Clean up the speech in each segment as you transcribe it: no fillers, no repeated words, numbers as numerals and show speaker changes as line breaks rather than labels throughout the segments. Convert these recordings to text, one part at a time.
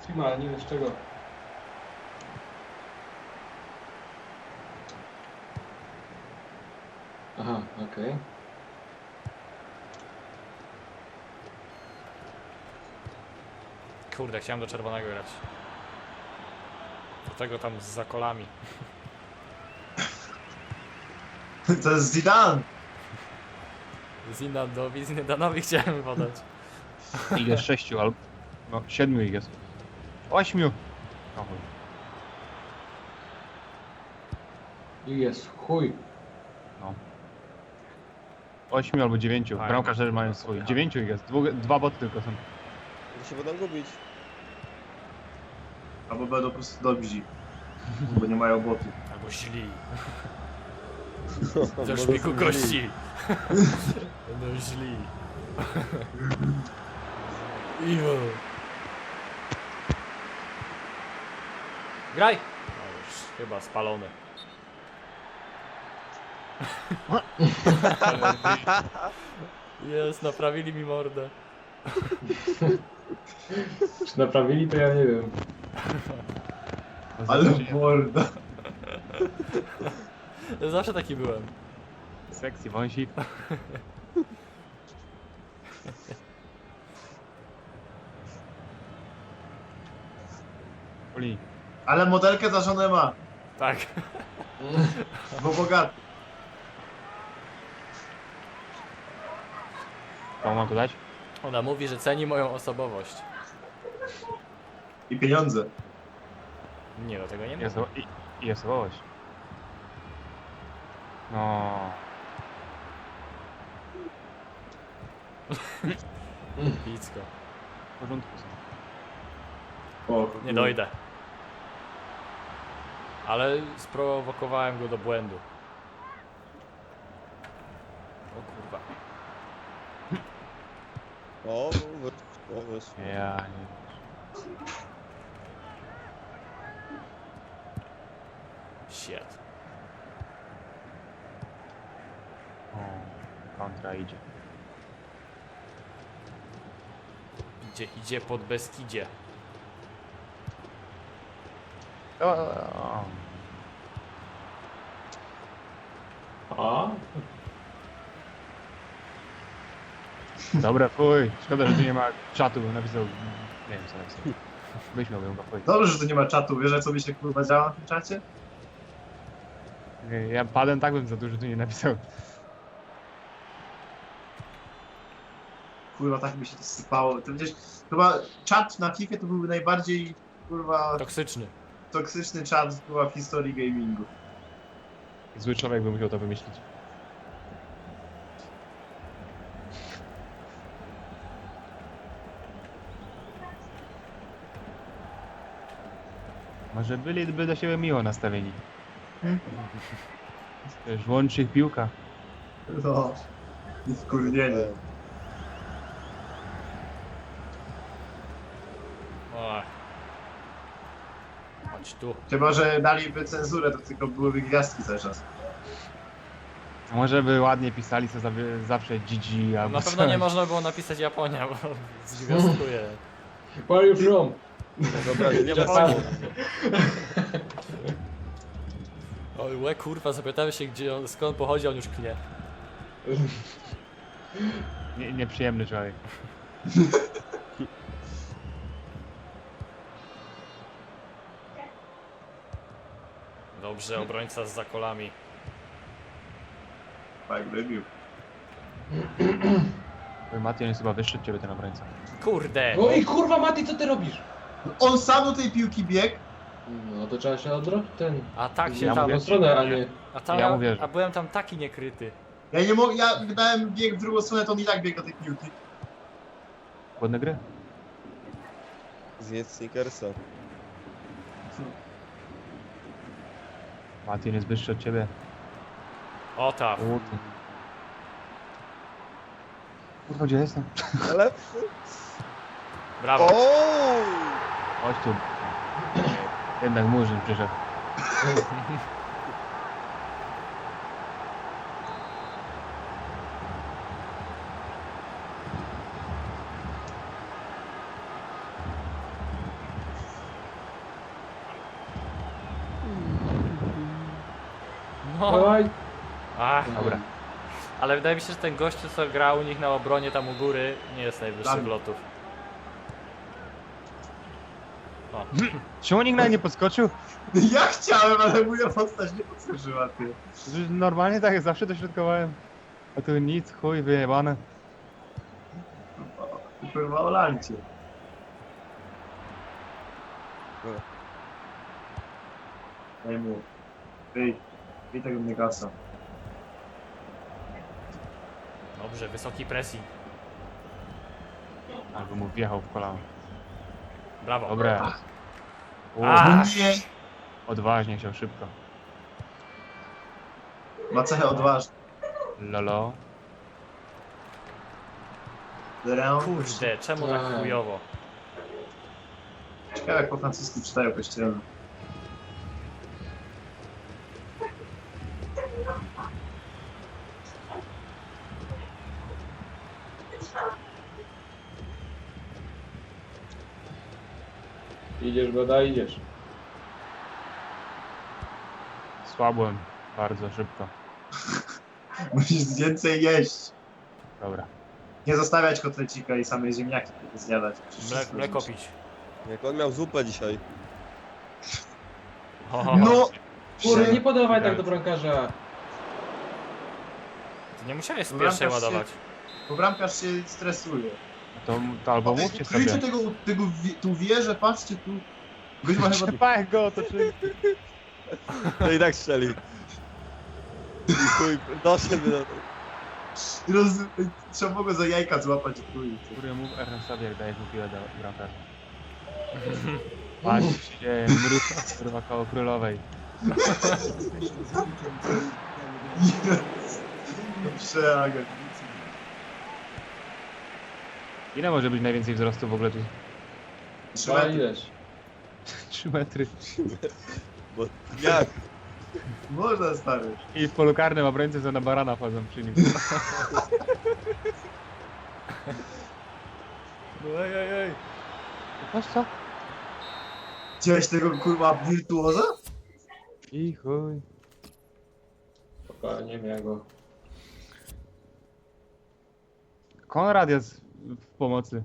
Teama, ale nie wiem z czego. Aha, okej.
Kurde, chciałem do czerwonego grać. Do tego tam z zakolami.
To jest Zidane!
Zindandowi, Zindanowi chciałem podać.
Ich jest 6 albo... No, 7 ich jest. 8! O chuj.
I jest chuj.
No. 8 albo 9.
Tak,
Bramkarze mają swój. 9 ich jest. Dwa boty tylko są.
To się będą gubić.
Albo będą po prostu dobrzy. Bo nie mają botu.
Albo źli.
Bo
Ze
są
szpiku
źli.
kości. Będą źli. Iwo. Graj! No już chyba spalony. Jest, naprawili mi mordę.
Czy naprawili, to ja nie wiem.
Ale morda.
Zawsze taki byłem.
Sekcji wąsik. Poli.
Ale modelkę za żonę ma.
Tak.
Bo bogaty.
Co mam tu dać?
Ona mówi, że ceni moją osobowość.
I pieniądze.
Nie, do tego nie
Jest,
mówię.
i jest osobowość. No.
Picko.
W porządku są.
O,
Nie dojdę. Ale sprowokowałem go do błędu. O kurwa.
O, wyszło.
Ja nie.
Shit.
O, kontra idzie.
Idzie pod Beskidzie.
O.
A?
Dobra, fuj. Szkoda, że tu nie ma czatu, bo napisał... Nie wiem co napisał. Wyśmiałbym go, fuj.
Dobrze, że tu nie ma czatu. Wiesz, co mi się kurwa działa na tym czacie?
Nie, ja padłem tak bym za dużo tu nie napisał.
Kurwa, tak mi się to sypało. To przecież chyba czat na FIFA to byłby najbardziej kurwa
Toksyczny.
toksyczny czat kurwa w historii gamingu.
Zły człowiek by musiał to wymyślić. Może byliby do siebie miło nastawieni. Wiesz, łączy ich piłka.
No. I wkurwienie.
O. Chodź tu.
Chyba, że daliby cenzurę, to tylko byłyby gwiazdki cały czas.
A może by ładnie pisali co zawsze GG albo
Na pewno
coś.
nie można było napisać Japonia, bo zwiastuję.
Where are you from?
Dobra, nie ma
Japonia.
sensu.
Oj, łe kurwa, zapytamy się gdzie on, skąd pochodzi, on już knie.
Nieprzyjemny człowiek.
Dobrze, obrońca z zakolami.
Tak, wybił.
Mati jest chyba wyższy od ciebie ten obrońca.
Kurde!
No i kurwa Mati, co ty robisz?
On sam do tej piłki biegł.
No to trzeba się odrobić ten.
A tak się
Ja
tam...
mówię-
W stronę, a nie.
A, tam,
ja mówię, że-
a byłem tam taki niekryty.
Ja nie mogę, ja dałem bieg w drugą stronę, to on i tak biegł do tej piłki.
Ładne gry.
Zjedz Snickersa.
Mati jest wyższy od ciebie.
O tak.
Kurwa, gdzie jestem?
Ale...
Brawo.
O!
Chodź tu. Jednak murzyn przyszedł.
Dawaj.
Ach,
Dobra.
ale wydaje mi się, że ten gościu, co grał u nich na obronie tam u góry, nie jest najwyższych
Tam.
lotów. O.
Czemu nikt nawet nie podskoczył?
Ja chciałem, ale moja postać nie podskoczyła, ty.
Przecież normalnie tak zawsze dośrodkowałem. A tu nic, chuj, wyjebane.
Kurwa, o lancie. Daj mu. Wyj tego Negasa.
Dobrze, wysoki pressing.
Albo mu wjechał w kolano.
Brawo.
Dobre. O,
A.
Nie!
odważnie chciał szybko.
Ma cechę odważną.
Lolo.
Kurde, czemu tak
Tak.
chujowo?
Ciekawe jak po francusku czytają kościelne.
Idziesz, Goda, idziesz.
Słabłem. Bardzo szybko.
Musisz więcej jeść.
Dobra.
Nie zostawiać kotlecika i same ziemniaki tylko zjadać.
Mleko pić.
Jak on miał zupę dzisiaj.
Ho.
No!
Kurde, nie podawaj tak do bramkarza.
Ty nie musiałeś z
Bramkarz
pierwszej
się-
ładować.
Bo bramkarz się stresuje.
To albo mówcie
Kryjcie
sobie.
tego tu wieżę, patrzcie tu. Gość ma chyba...
Trzepaj go, to czy...
To i tak strzeli. I chuj, doszedł do...
Trzeba było go za jajka złapać i chuj.
Kurde, mów Ernest jak dajesz mu piłę do bramkarza. Patrz, co się dzieje, mróz, kurwa, koło królowej.
Przeagę.
Ile może być najwięcej wzrostu w ogóle tu?
3
Dawaj,
metry.
idziesz.
3 metry.
Bo jak?
Można, stary.
I w polu karnym obrońcy co na barana wchodzą przy nim.
No ej.
Patrz co?
Widziałeś tego kurwa wirtuoza?
I chuj.
Spokojnie, miał go.
Konrad jest w pomocy.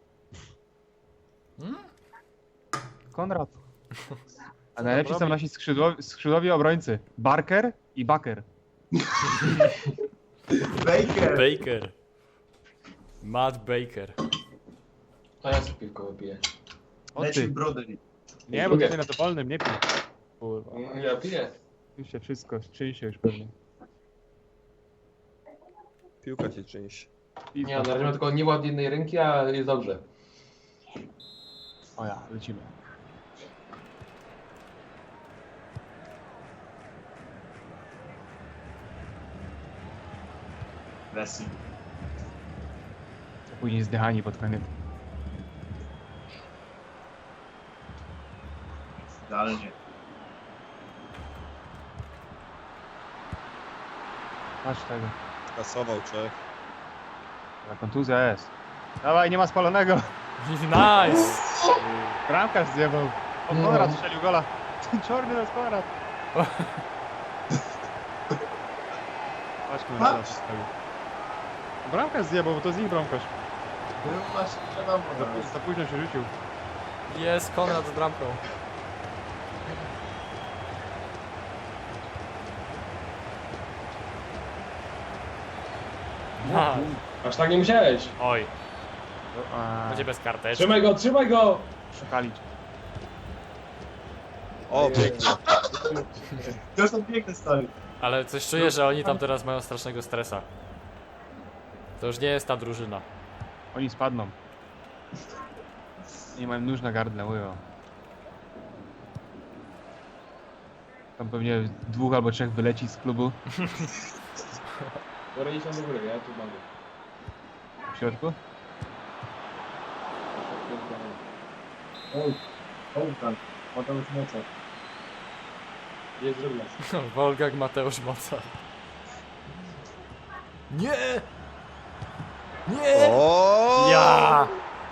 Konrad. A najlepsi są nasi skrzydłowi obrońcy. Barker i Baker.
Baker!
Baker. Matt Baker.
A ja sobie piwko wypiję.
O
Leci
ty.
Broderi.
Nie, bo tutaj na dowolnym, nie pij. Kurwa.
Ja piję.
Już się wszystko, czyni się już pewnie.
Piłka cię czymś.
I
Nie, na razie mam tylko nieład jednej ręki, a jest dobrze.
O ja, lecimy.
Messi.
Później zdychani pod koniec.
Idealnie.
Patrz tego.
Kasował Czech.
Ta kontuzja jest. Dawaj, nie ma spalonego.
Nice!
Bramkarz zjebał. O,
No.
Konrad strzelił gola. Czarny to jest Konrad. Patrz, Konrad strzelił. Bramkarz zjebał, bo to z nich bramkarz.
Był właśnie wiadomo.
Za późno się rzucił.
Jest Konrad z bramką. No.
Aż tak nie musiałeś.
Oj,
A,
będzie bez karteczki.
Trzymaj go, trzymaj go!
szukali.
O, pięknie.
To już tam piękne stary.
Ale coś czuję, że oni tam teraz mają strasznego stresa. To już nie jest ta drużyna.
Oni spadną. Nie mają nóż na gardle, mówią. Tam pewnie 2 albo 3 wyleci z klubu.
Dobra, idź tam do góry, ja tu mam.
W środku.
Oj, tam. Mateusz Mocar.
Jest drugna.
Wolgak Mateusz Mocar. Nie! Nie!
O!
Ja!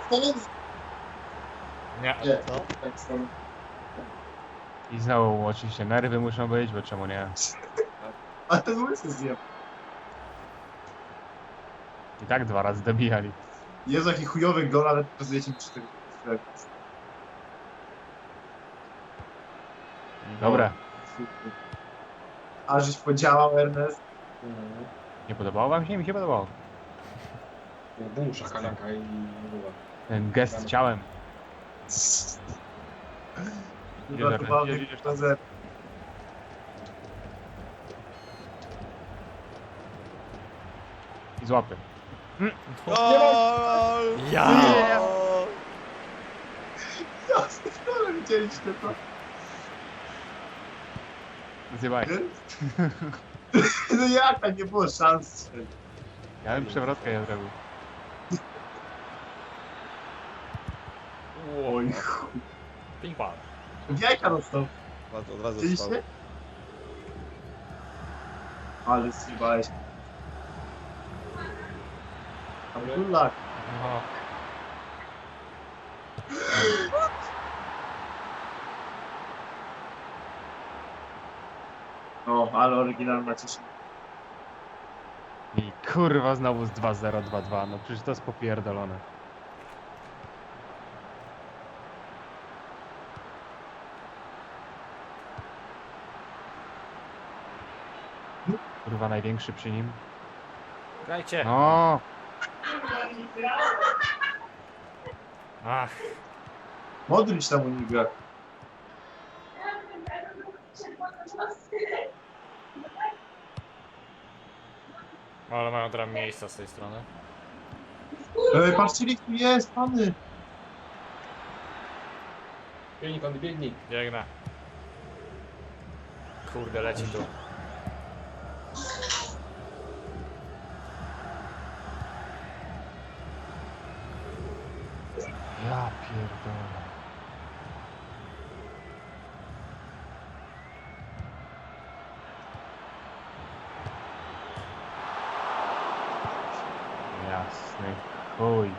Nie.
Nie, tak stary.
I znowu oczywiście nerwy muszą być, bo czemu nie?
A ten łysy zjem.
I tak 2 razy dobijali.
Jezu, jaki chujowy gol, ale pokazujecie mi 4.
Dobra,
A żeś podziałał, Ernest.
Mhm.
nie podobało wam się? Mi się podobało.
Bum, szakalaka i była.
Ten gest ciałem.
Uratowany
idziesz.
na zero.
I złapy.
Gol!
Ja!
Gol!
Jasne, ale widzieliście to.
Zjebaj.
No jak tak nie było szans.
Ja bym przewrotkę ja zrobił.
Oj, chuj.
Ping pong.
W jajka dostał.
Od razu
Widzieliście?
spał.
Ale zjebałeś. Ale kulak.
No.
No, ale oryginalna cieszyna.
I kurwa znowu z 2-0, 2-2. No przecież to jest popierdolone. Kurwa największy przy nim.
Grajcie.
No,
Ach,
Modryć tam u nich gra.
ale mają teraz miejsca z tej strony.
Patrzcie, tu jest, pany.
Biegnij, pan, biegnij.
Biegnę. Kurde, leci tu.
ja pierdolę. Jasny chuj.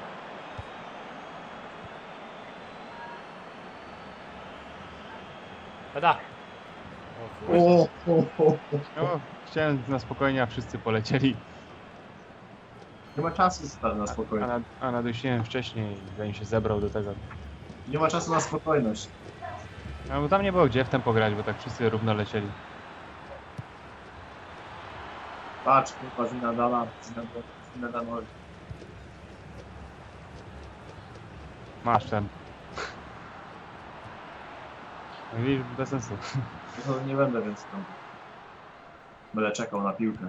Pada! O kurde.
O.
No, chciałem na spokojnie, a wszyscy polecieli.
Nie ma czasu stary na spokojność.
A nadusiłem wcześniej, zanim się zebrał do tego.
Nie ma czasu na spokojność.
No bo tam nie było gdzie w tym pograć, bo tak wszyscy równo lecieli.
Patrz, kurwa, Zinadana. Zinadanowi.
Masz ten. No widzisz, bez sensu.
No, nie będę więc tam. Będę czekał na piłkę.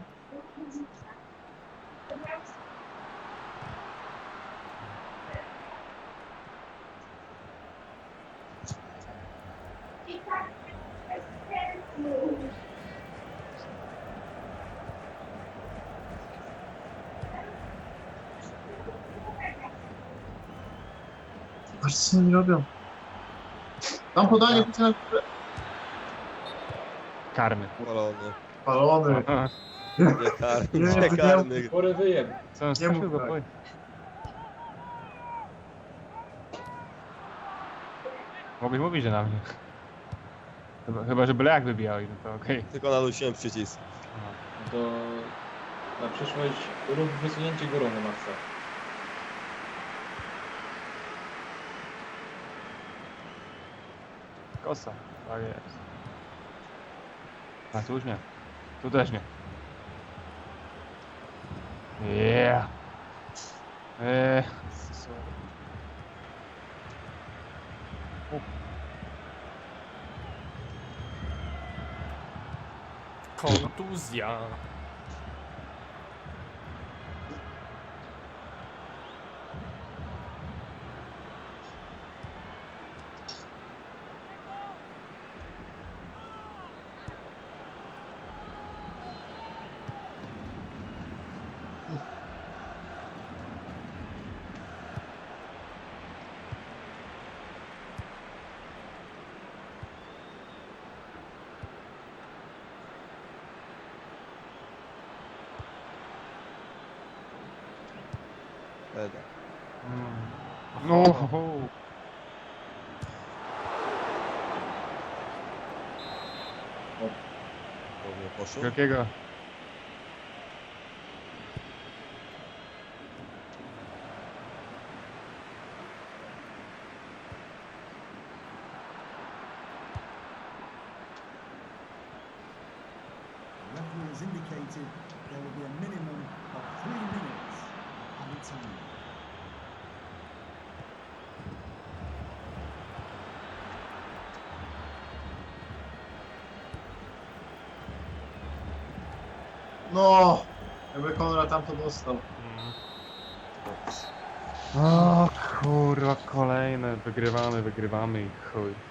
Patrz co oni robią. Tam podanie pójdzie na
Karny.
Palony.
palony.
Nie karny,
Nie,
nie
to
karny.
Porę wyjem.
Co on
Nie mów
strafił go?
tak.
Oj. Mogłeś mówić, że na mnie. Chyba że byle jak wybijał, no to okej.
Tylko nadusiłem przycisk.
To na przyszłość rób wysunięcie górą na maksa.
Kosa. Tak jest. A tu już nie. Tu też nie. Yeah.
Kontuzja.
Eda.
No.
Pewnie poszło.
Jakiego?
indicated there will be a minimum of 3 minutes of added time.
No! Jakby Konrad tam to dostał.
O kurwa, kolejne. Wygrywamy i chuj.